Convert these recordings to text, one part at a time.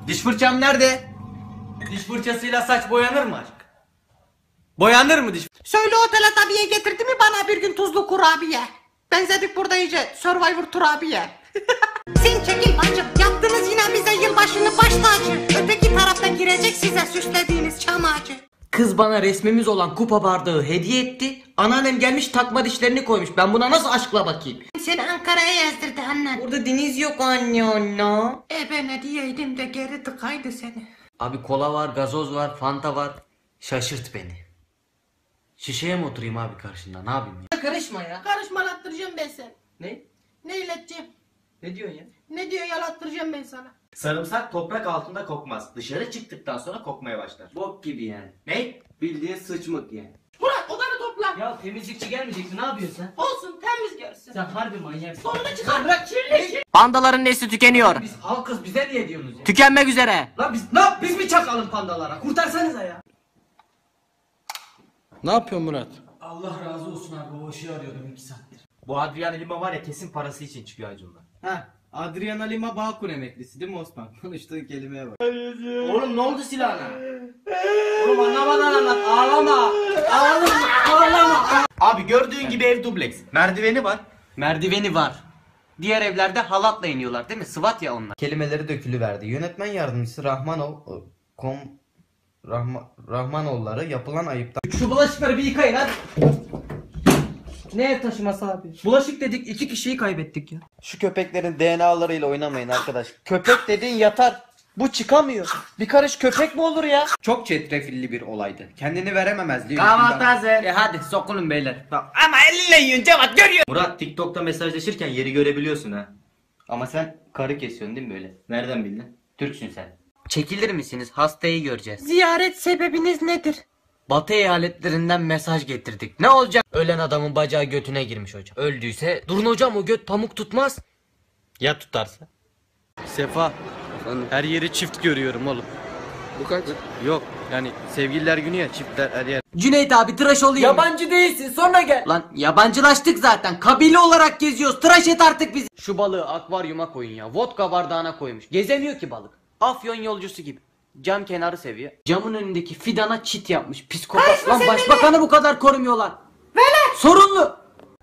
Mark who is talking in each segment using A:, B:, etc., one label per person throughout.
A: Diş fırçam nerede? Diş fırçasıyla saç boyanır mı aşk? Boyanır mı diş?
B: Söyle otel abiye getirdi mi bana bir gün tuzlu kurabiye? Benzedik burada iyice Survivor turabiye. Sen çekil bacım, yaptınız yine bize yılbaşını baş tacı. Öteki tarafta girecek size süslediğiniz çam ağacı.
A: Kız bana resmimiz olan kupa bardağı hediye etti. Anneannem gelmiş takma dişlerini koymuş. Ben buna nasıl aşkla bakayım?
B: Seni Ankara'ya yazdırdı annen.
A: Burada deniz yok anne.
B: Ben ne diyeydim de geri tıkaydı seni.
A: Abi kola var, gazoz var, fanta var. Şaşırt beni. Şişeye mi oturayım abi karşında? Ne yapayım ya? Karışma ya.
B: Karışmalattıracağım ben seni.
A: Ne?
B: Ne ileteceğim?
A: Ne diyorsun ya?
B: Ne diyor yalattıracağım ben sana.
C: Sarımsak toprak altında kokmaz. Dışarı çıktıktan sonra kokmaya başlar.
A: Bok gibi yani.
C: Ne?
A: Bildiğin sıçmık yani.
B: Murat odanı topla.
A: Ya temizlikçi gelmeyecekti, ne yapıyorsun sen?
B: Olsun temiz görsün.
A: Sen harbi manyaksın.
B: Sonunu çıkar. Bırak kirli.
A: Pandaların nesli tükeniyor. Biz halkız, bize niye diyorsunuz ya? Tükenmek üzere. Lan biz mi çakalım pandalara? Kurtarsanıza ya.
D: Ne yapıyorsun Murat?
A: Allah razı olsun abi, o ışığı arıyordum 2 saattir.
C: Bu Adrian Lima var ya kesin parası için çıkıyor Acun'la.
D: Ha, Adriana Lima Bağkur emeklisi değil mi Osman? Konuştuğun kelimeye bak.
C: Oğlum ne oldu silahına? Oğlum anlamadan anlat. Ağlama. Ağlama. Abi gördüğün gibi ev dubleks. Merdiveni var.
A: Merdiveni var. Diğer evlerde halatla iniyorlar değil mi? Sıvat ya onlar.
E: Kelimeleri dökülüverdi. Yönetmen yardımcısı Rahmanoğulları yapılan ayıptan
A: Şu bulaşıkları bir yıkayın hadi. Ne ev taşıması abi? Bulaşık dedik, 2 kişiyi kaybettik ya.
E: Şu köpeklerin DNA'larıyla oynamayın arkadaş. Köpek dediğin yatar. Bu çıkamıyor. Bir karış köpek mi olur ya?
D: Çok çetrefilli bir olaydı. Kendini verememezliği.
A: Kahvaltı hazır. Hadi sokulun beyler. Ama elle yiyin Cevat, görüyor.
C: Murat TikTok'ta mesajlaşırken yeri görebiliyorsun ha.
A: Ama sen karı kesiyorsun değil mi böyle?
C: Nereden bildin?
A: Türksün sen. Çekilir misiniz? Hastayı göreceğiz.
B: Ziyaret sebebiniz nedir?
A: Batı eyaletlerinden mesaj getirdik. Ne olacak? Ölen adamın bacağı götüne girmiş hocam. Öldüyse durun hocam, o göt pamuk tutmaz. Ya tutarsa?
D: Sefa. Her yeri çift görüyorum oğlum. Bu kaç? Yok yani sevgililer günü ya, çiftler her yer.
A: Cüneyt abi tıraş olayım. Yabancı değilsin, sonra gel. Lan yabancılaştık zaten. Kabile olarak geziyoruz. Tıraş et artık bizi. Şu balığı akvaryuma koyun ya. Vodka bardağına koymuş. Gezemiyor ki balık. Afyon yolcusu gibi. Cam kenarı seviyor. Camın önündeki fidana çit yapmış. Psikopat. Lan başbakanı bu kadar korumuyorlar. Velet. Sorunlu.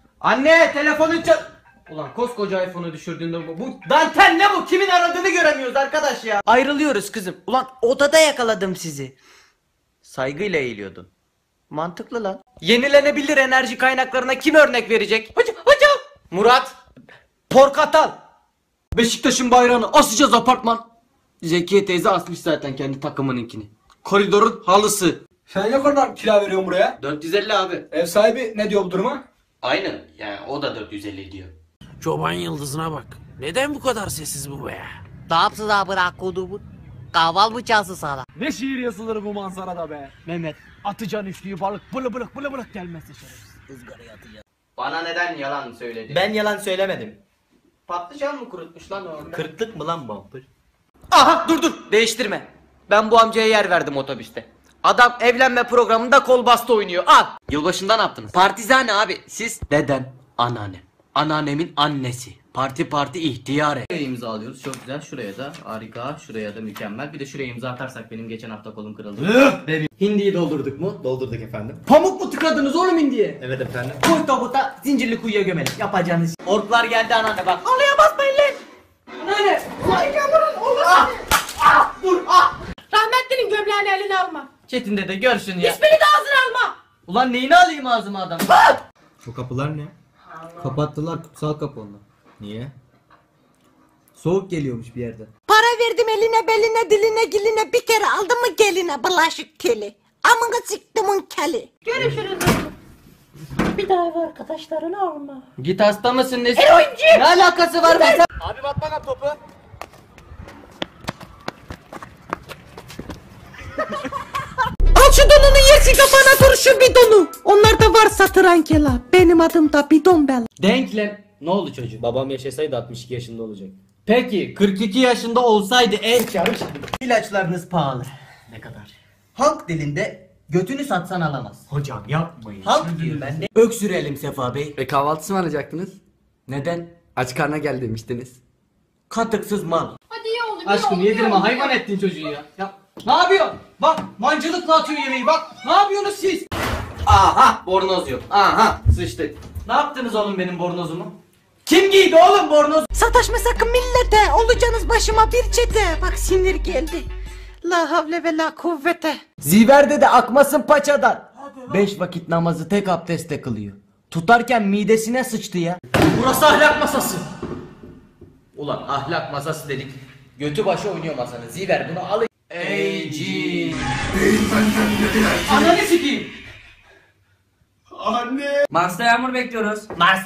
A: Anne telefonu çal. Ulan koskoca iPhone'u düşürdüğünde bu dantel ne bu? Kimin aradığını göremiyoruz arkadaş ya. Ayrılıyoruz kızım. Ulan odada yakaladım sizi. Saygıyla eğiliyordun. Mantıklı lan. Yenilenebilir enerji kaynaklarına kim örnek verecek? Hocam. Murat. Porkatal. Beşiktaş'ın bayrağını asacağız apartman. Zekiye teyze asmış zaten kendi takımınınkini. Koridorun halısı.
F: Sen ne kadar kira veriyorsun buraya?
A: 450 abi.
F: Ev sahibi ne diyor bu duruma?
A: Aynen. Yani o da 450 diyor.
G: Çoban yıldızına bak. Neden bu kadar sessiz bu be?
B: Ne yapsın abi kodumun? Kahval mı çalsın sana?
G: Ne şiir yazılır bu manzarada be? Mehmet, atacan üçlüyü balık bılı bılık gelmezse şerefsiz. Izgaraya atacağız.
A: Bana neden yalan söyledi?
C: Ben yalan söylemedim.
A: Patlıcan mı kurutmuş lan orada?
C: Kırklık mı lan bumper?
A: Aha dur değiştirme. Ben bu amcaya yer verdim otobüste. Adam evlenme programında kol bastı oynuyor. Al. Yılbaşında ne yaptınız? Partizane abi. Siz? Dedem. Anneannem. Anneannemin annesi. Parti ihtiyare.
H: Şuraya imza alıyoruz. Çok güzel. Şuraya da harika. Şuraya da mükemmel. Bir de şuraya imza atarsak benim geçen hafta kolum kırıldı.
A: Hindiyi doldurduk mu?
C: Doldurduk efendim.
A: Pamuk mu tıkadınız oğlum hindiye?
C: Evet efendim.
A: Koy tabuta zincirli kuyuya gömelim. Yapacağınız. Orklar geldi anneanne bak. Halıya basmayın lan. Anneanne. Ulan yavrum oğlum. Dur.
B: Rahmetlinin gömleğini eline alma.
A: Çetin dede görsün ya.
B: Hiçbirini de ağzına alma.
A: Ulan neyini alayım ağzıma adam?
D: Bu kapılar ne? Kapattılar, kutsal kapı onlar. Niye? Soğuk geliyormuş bir yerden.
B: Para verdim eline beline diline giline bir kere aldım mı geline bulaşık teli. Amına siktimin keli. Görüşürüz. Bir daha ev arkadaşlarını alma.
A: Git hasta mısın nesin?
B: Eroinci.
A: Ne alakası var be?
F: Abi bak bana topu.
B: Al şu donunu yersin kafana dur şu bidonu. Onlarda var satır ankela. Benim adım da bidon bel.
A: Denklem. Ne oldu çocuk?
H: Babam yaşasaydı 62 yaşında olacak.
A: Peki 42 yaşında olsaydı en çarık. İlaçlarınız pahalı.
H: Ne kadar?
A: Halk dilinde götünü satsan alamaz.
H: Hocam yapmayın.
A: Halk diyorum ben de. Öksürelim Sefa Bey.
D: Kahvaltısı mı alacaktınız?
A: Neden?
D: Aç karna gel demiştiniz.
A: Katıksız mal.
B: Hadi ye oğlum
A: Aşkım yedirme, hayvan ettin çocuğu ya. Ya ne yapıyorsun? Bak mancılıkla atıyor yemeği bak. Ne yapıyorsunuz siz? Aha bornoz yok. Aha sıçtık. Ne yaptınız oğlum benim bornozumu? Kim giydi oğlum bornoz?
B: Sataşma sakın millete. Olacaksınız başıma bir çete. Bak sinir geldi. La havle ve la kuvvete.
A: Ziverde de akmasın paçadan. 5 vakit namazı tek abdestle kılıyor. Tutarken midesine sıçtı ya. Burası ahlak masası. Ulan ahlak masası dedik. Götü başı oynuyor masanın. Ziver bunu al. Ey cin. Ananı sikeyim.
H: Mars'ta yağmur bekliyoruz.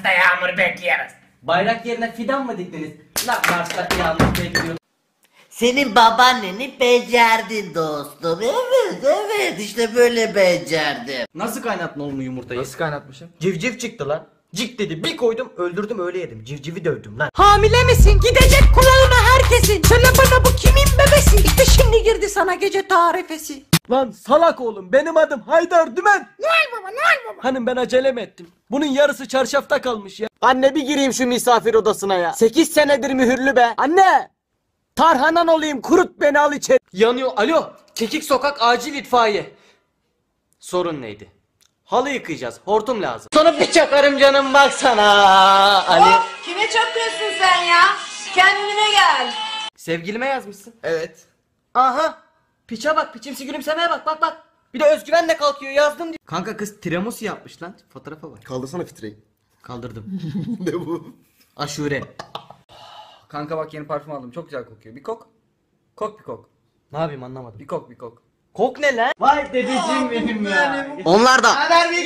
A: Bayrak yerine fidan mı diktiniz? Lan Mars'ta yağmur bekliyor.
I: Senin babaanneni becerdin dostum. Evet işte böyle becerdim.
A: Nasıl kaynattın oğlum yumurtayı? Nasıl kaynatmışım? Civciv çıktı lan. Cik dedi bir koydum öldürdüm öyle yedim. Civcivi dövdüm lan.
B: Hamile misin? Gidecek kulağına herkesin. Söyle bana bu kimin bebesi? İşte şimdi girdi sana gece tarifesi.
G: Lan salak oğlum, benim adım Haydar Dümen.
B: Noel baba, Noel baba.
G: Hanım ben acele mi ettim? Bunun yarısı çarşafta kalmış ya.
A: Anne bir gireyim şu misafir odasına ya. 8 senedir mühürlü be.
G: Anne! Tarhanan olayım, kurut beni, al içeri.
A: Yanıyor. Alo. Kekik sokak acil itfaiye. Sorun neydi? Halı yıkayacağız. Hortum lazım. Sonra bir çakarım canım baksana. Ali.
J: Kime çakıyorsun sen ya? Kendine gel.
A: Sevgilime yazmışsın. Evet. Aha. Piçe bak. Piçimsi gülümsemeye bak. Bak bak. Bir de özgüvenle kalkıyor yazdım diyor. Kanka kız tiramisu yapmış lan. Fotoğrafa bak.
F: Kaldırsana filtreyi.
A: Kaldırdım.
F: Ne bu?
A: Aşure.
K: Kanka bak yeni parfüm aldım. Çok güzel kokuyor. Bir kok. Kok bir kok.
A: Ne yapayım anlamadım.
K: Bir kok bir kok.
A: Kok ne lan?
E: Vay dedeciğim benim ya.
A: Onlar da.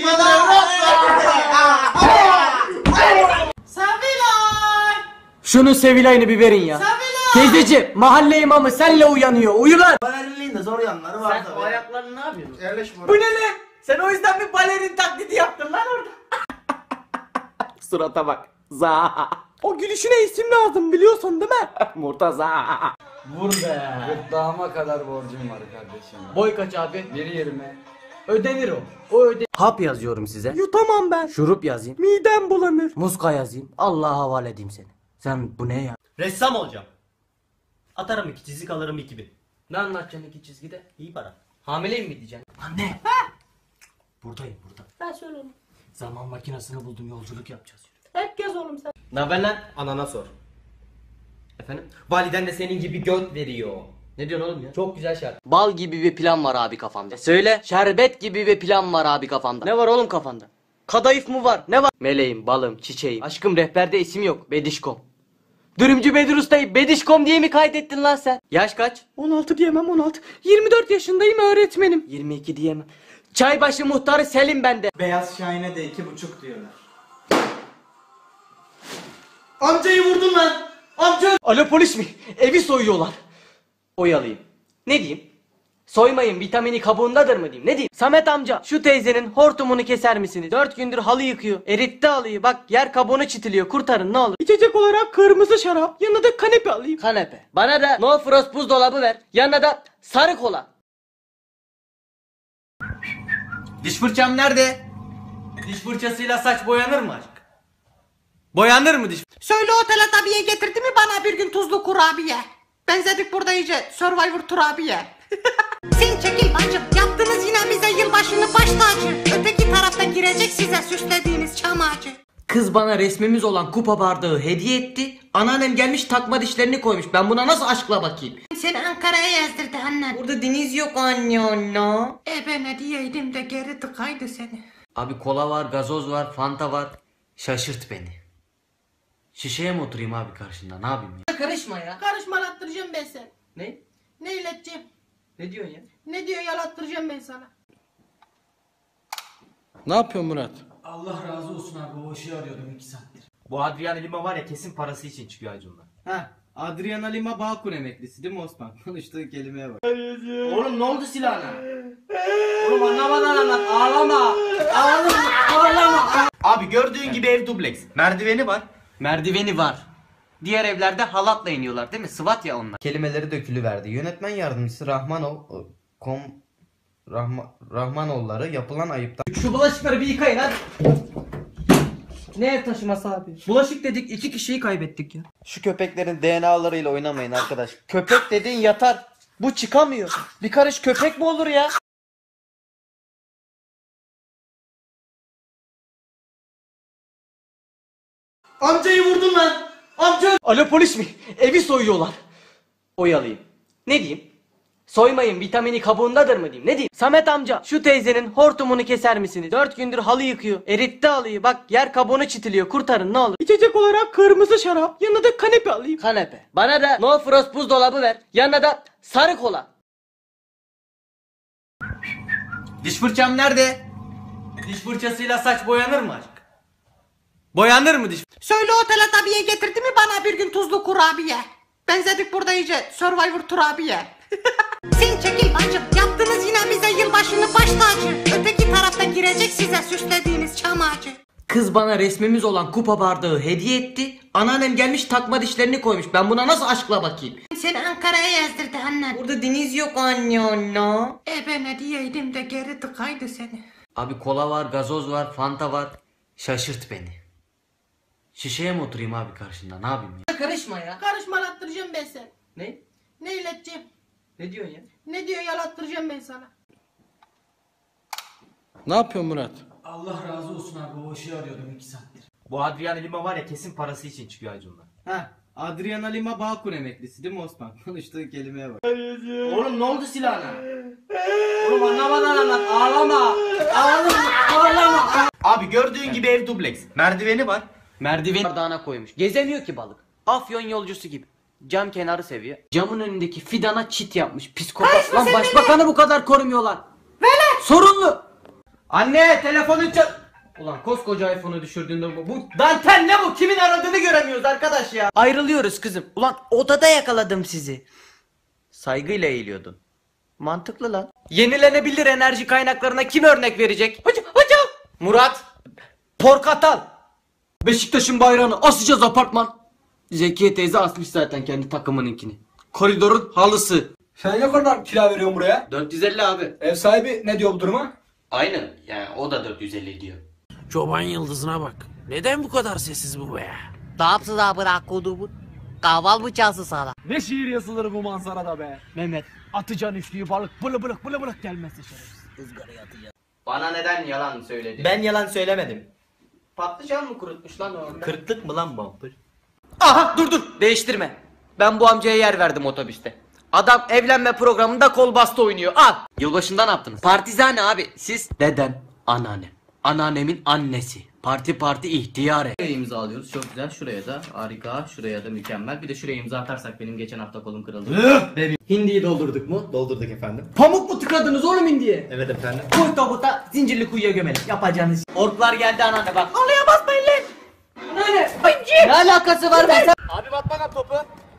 B: Sevilay.
A: Şunu Sevilay'ını bir verin ya. Teyzeciğim mahalle imamı senle uyanıyor. Uyu lan.
C: Balerinin de zor yanları var
A: Sen o ayaklarını ne yapıyorsun?
C: Yerleşme.
A: Bu ne lan? Sen o yüzden bir balerin taklidi yaptın lan orada. Surata bak. Za.
G: O gülüşüne isim lazım, biliyorsun değil mi?
A: Murtaza.
K: Vur be. Gırtlağıma kadar borcum var kardeşim.
A: Boy kaç abi?
K: 1.20.
A: Ödenir o. O ödenir. Hap yazıyorum size.
G: Yutamam ben.
A: Şurup yazayım.
G: Midem bulanır.
A: Muska yazayım. Allah'a havale edeyim seni. Sen bu ne ya?
C: Ressam olacağım. Atarım 2 çizik alırım 2000.
A: Ne anlatacaksın iki çizgide?
C: İyi para.
A: Hamileyim mi diyeceksin? Anne.
C: Buradayım burada.
J: Ben söyle oğlum.
C: Zaman makinesini buldum yolculuk yapacağız.
J: Hep gez oğlum sen.
A: Ne haber lan?
C: Anana sor.
A: Efendim?
C: Validen de senin gibi göt veriyor.
A: Ne diyorsun oğlum ya?
C: Çok güzel şarkı.
A: Bal gibi bir plan var abi kafamda. Söyle. Şerbet gibi bir plan var abi kafamda. Ne var oğlum kafanda? Kadayıf mı var? Ne var? Meleğim, balım, çiçeğim. Aşkım rehberde isim yok. Bedişkom. Dürümcü Bedir Usta'yı Bedişkom diye mi kaydettin lan sen? Yaş kaç?
G: 16 diyemem, 16. 24 yaşındayım, öğretmenim.
A: 22 diyemem. Çaybaşı muhtarı Selim bende.
C: Beyaz Şahin'e de 2,5 diyorlar. Amcayı vurdun lan. Amca.
A: Alo polis mi? Evi soyuyorlar. Oyalayayım. Ne diyeyim? Soymayın vitamini kabuğundadır mı diyeyim? Ne diyeyim? Samet amca şu teyzenin hortumunu keser misiniz? 4 gündür halı yıkıyor. Eritti halıyı bak yer kabuğunu çitiliyor. Kurtarın ne olur.
G: İçecek olarak kırmızı şarap, yanına da kanepe alayım.
A: Kanepe. Bana da no frost buzdolabı ver. Yanına da sarı kola. Diş fırçam nerede? Diş fırçasıyla saç boyanır mı aşk? Boyanır mı diş?
B: Söyle o Teletabi'ye getirdi mi bana bir gün tuzlu kurabiye? Benzedik burada iyice Survivor turabiye. Sen çekil bacım. Yaptınız yine bize yılbaşını baş tacı. Öteki tarafta girecek size süslediğiniz çam ağacı.
A: Kız bana resmimiz olan kupa bardağı hediye etti. Anneannem gelmiş takma dişlerini koymuş. Ben buna nasıl aşkla bakayım?
B: Seni Ankara'ya yazdırdı annen.
A: Burada deniz yok anne.
B: Ben ne diyeydim de geri tıkaydı seni.
A: Abi kola var, gazoz var, fanta var. Şaşırt beni. Şişeye mi oturayım abi karşında? Ne yapayım ya?
B: Karışma ya. Karışmalattıracağım ben seni.
A: Ne?
B: Ne ileteceğim?
A: Ne diyorsun ya?
B: Ne diyor yalattıracağım ben sana.
G: Ne yapıyorsun Murat?
C: Allah razı olsun abi o işi arıyordum 2 saattir. Bu Adriana Lima var ya kesin parası için çıkıyor Acun'la.
E: Ha, Adriana Lima Bağkur emeklisi değil mi Osman? Konuştuğu kelimeye bak.
C: Oğlum ne oldu silahına? Oğlum anlamadan anlat. Ağlama. Ağlama. Abi gördüğün gibi ev dubleks. Merdiveni var.
A: Merdiveni var. Diğer evlerde halatla iniyorlar değil mi? Sıvat ya onlar.
E: Kelimeleri dökülüverdi. Yönetmen yardımcısı Rahmanoğulları yapılan ayıptan.
A: Şu bulaşıkları bir yıkayın hadi. Ne ev taşıması abi? Bulaşık dedik 2 kişiyi kaybettik ya.
E: Şu köpeklerin DNA'larıyla oynamayın arkadaş. Köpek dediğin yatar. Bu çıkamıyor. Bir karış köpek mi olur ya?
A: Amcayı vurdun lan. Amca. Alo polis mi? Evi soyuyorlar. Oyalayayım. Ne diyeyim? Soymayın vitamini kabuğundadır mı diyeyim? Ne diyeyim? Samet amca şu teyzenin hortumunu keser misiniz? 4 gündür halı yıkıyor. Eritti halıyı bak yer kabuğunu çitiliyor. Kurtarın ne olur. İçecek olarak kırmızı şarap. Yanına da kanepe alayım. Kanepe. Bana da no frost buzdolabı ver. Yanına da sarı kola. Diş fırçam nerede? Diş fırçasıyla saç boyanır mı aşk? Boyanır mı diş?
B: Söyle o Teletabi'ye getirdi mi bana bir gün tuzlu kurabiye? Benzedik burada iyice Survivor Turabiye. Sen çekil bacım. Yaptınız yine bize yılbaşını baş tacı. Öteki tarafta girecek size süslediğiniz çam ağacı.
A: Kız bana resmimiz olan kupa bardağı hediye etti. Anneannem gelmiş takma dişlerini koymuş. Ben buna nasıl aşkla bakayım?
B: Seni Ankara'ya yazdırdı annen.
A: Burada deniz yok anne.
B: Ben hediyeydim de geri tıkaydı seni.
A: Abi kola var, gazoz var, fanta var. Şaşırt beni. Şişeye mi oturayım abi karşında? Ne yapayım ya?
B: Karışma ya. Karışmalattıracağım ben seni.
A: Ne?
B: Ne ileteceğim?
A: Ne diyorsun ya?
B: Ne diyor yalattıracağım ben sana.
G: Ne yapıyorsun Murat?
F: Allah razı olsun abi o işi arıyordum 2 saattir.
C: Bu Adriana Lima var ya kesin parası için çıkıyor Acun'dan.
E: Ha, Adriana Lima Bağkur emeklisi değil mi Osman? Konuştuğun kelimeye bak.
C: Oğlum ne oldu silahına? Oğlum anlamadan anlat. Ağlama. Ağlama. Abi gördüğün gibi ev dubleks. Merdiveni var.
A: Merdiven bardağına koymuş. Gezemiyor ki balık. Afyon yolcusu gibi. Cam kenarı seviyor. Camın önündeki fidana çit yapmış. Psikopat. Lan başbakanı bu kadar korumuyorlar. Sorunlu. Anne telefonu Ulan koskoca iPhone'u düşürdüğünde bu dantel ne bu? Kimin aradığını göremiyoruz arkadaş ya. Ayrılıyoruz kızım. Ulan odada yakaladım sizi. Saygıyla eğiliyordun. Mantıklı lan. Yenilenebilir enerji kaynaklarına kim örnek verecek? Hocam. Murat. Porkatal. Beşiktaş'ın bayrağını asacağız apartman. Zekiye teyze asmış zaten kendi takımınınkini. Koridorun halısı.
F: Sen ne kadar kira veriyorsun buraya?
A: 450 abi.
F: Ev sahibi ne diyor bu duruma?
A: Aynen yani o da 450 diyor.
G: Çoban yıldızına bak. Neden bu kadar sessiz bu be?
I: Ne yapsın abi kodumun? Kahval mı çalsın sana?
G: Ne şiir yazılır bu manzarada be? Mehmet, atacaksın üçlüyü balık bılı bılık gelmezse şerefsiz. Izgaraya atacaksın.
A: Bana neden yalan söyledi?
C: Ben yalan söylemedim.
A: Patlıcan mı kurutmuş lan orada?
C: Kırklık mı lan bumper?
A: Aha dur değiştirme. Ben bu amcaya yer verdim otobüste. Adam evlenme programında kol bastı oynuyor. Al. Yılbaşında ne yaptınız? Partizane abi. Siz? Dedem, anneannem. Anneannemin annesi. Parti ihtiyare.
H: Şuraya imza alıyoruz. Çok güzel. Şuraya da harika. Şuraya da mükemmel. Bir de şuraya imza atarsak benim geçen hafta kolum kırıldı.
A: Hindiyi doldurduk mu?
C: Doldurduk efendim.
A: Pamuk mu tıkadınız oğlum hindiye?
C: Evet efendim.
A: Koy tabuta zincirli kuyuya gömelim. Yapacağınız. Orklar geldi anneanne bak. Halıya basmayın lan. Anneanne. Ne alakası var be?
G: Abi bak bana topu.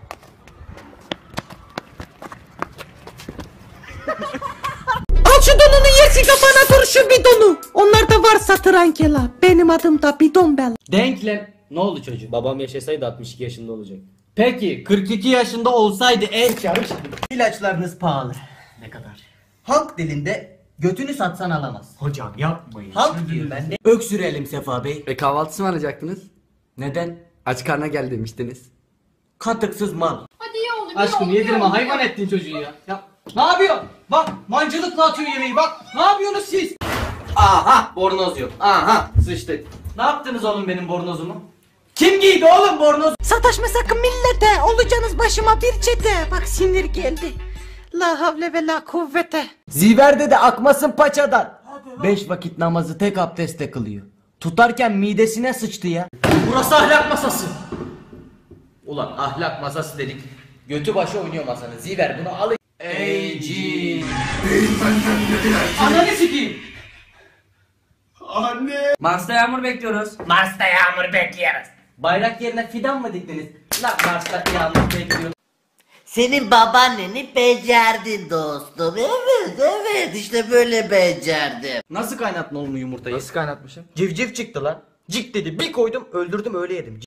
B: Al şu donunu yersin kafana dur şu bidonu. Onlarda varsa trankela. Benim adım da bidon bel.
A: Denklem. Ne oldu çocuğum?
H: Babam yaşasaydı 62 yaşında olacak.
A: Peki 42 yaşında olsaydı İlaçlarınız pahalı.
H: Ne kadar?
A: Halk dilinde götünü satsan alamaz.
H: Hocam yapmayın.
A: Halk diyor ben de. Öksürelim Sefa Bey.
K: Kahvaltısı mı alacaktınız?
A: Neden?
K: Aç karnına gel demiştiniz.
A: Katıksız mal.
J: Hadi ye oğlum.
A: Aşkım yedirme hayvan ettin çocuğu ya. Ne yapıyorsun? Bak mancılıkla atıyor yemeği bak. Ne yapıyorsunuz siz? Aha bornoz yok. Aha sıçtık. Ne yaptınız oğlum benim bornozumu? Kim giydi oğlum bornoz?
B: Sataşma sakın millete. Olacaksınız başıma bir çete. Bak sinir geldi. La havle ve la kuvvete.
A: Ziverde de akmasın paçadan. 5 vakit namazı tek abdestle kılıyor. Tutarken midesine sıçtı ya. Burası ahlak masası. Ulan ahlak masası dedik. Götü başı oynuyor masanın. Ziver bunu alın. Ey cin. Ananı sikeyim.
H: Mars'ta yağmur bekliyoruz.
A: Bayrak yerine fidan mı diktiniz? Lan Mars'ta yağmur bekliyor.
I: Senin babaanneni becerdin dostum. Evet işte böyle becerdim.
A: Nasıl kaynattın oğlum yumurtayı?
K: Nasıl kaynatmışım?
A: Civciv çıktı lan. Cik dedi bir koydum öldürdüm öyle yedim.